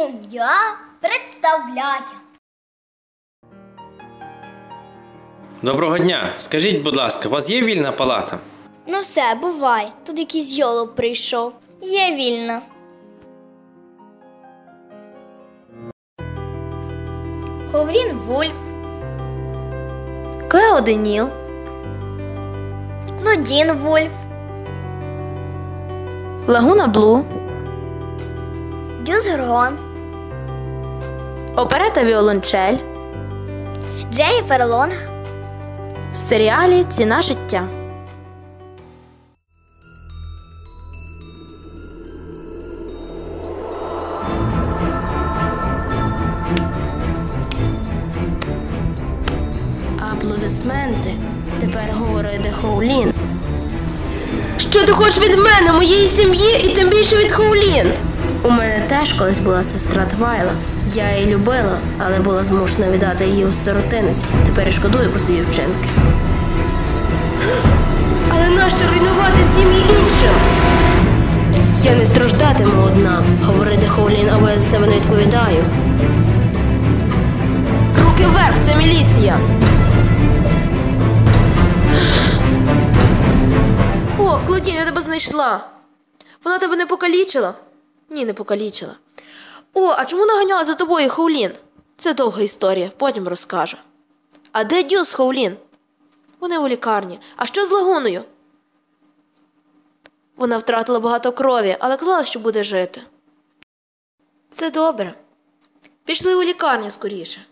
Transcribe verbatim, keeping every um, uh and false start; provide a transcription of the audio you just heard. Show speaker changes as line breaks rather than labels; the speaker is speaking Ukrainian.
Шум'я представляє.
Доброго дня. Скажіть, будь ласка, у вас є вільна палата?
Ну все, бувай. Тут якийсь йолоп прийшов. Є вільна. Ховрін Вульф.
Клео Деніл.
Клодін Вульф.
Лагуна Блу.
Дюс Горгон.
Оперета Віолончель.
Дженніфер Лонг.
В серіалі «Ціна життя». Аплодисменти. Тепер говорить де Хоулін. Що ти хочеш від мене, моєї сім'ї і тим більше від Хоулін? У мене теж колись була сестра Твайла. Я її любила, але була змушена віддати її у сиротинець. Тепер і шкодую про свої вчинки. Але нащо руйнувати сім'ї іншим? Я не страждатиму одна. Говорити Хоулін, або я за себе не відповідаю. Руки вверх, це міліція! О, Клодін, я тебе знайшла. Вона тебе не покалічила? Ні, не покалічила. О, а чому наганяла за тобою Хоулін? Це довга історія, потім розкажу. А де Дюс Хоулін? Вони у лікарні. А що з Лагуною? Вона втратила багато крові, але казала, що буде жити. Це добре. Пішли у лікарню скоріше.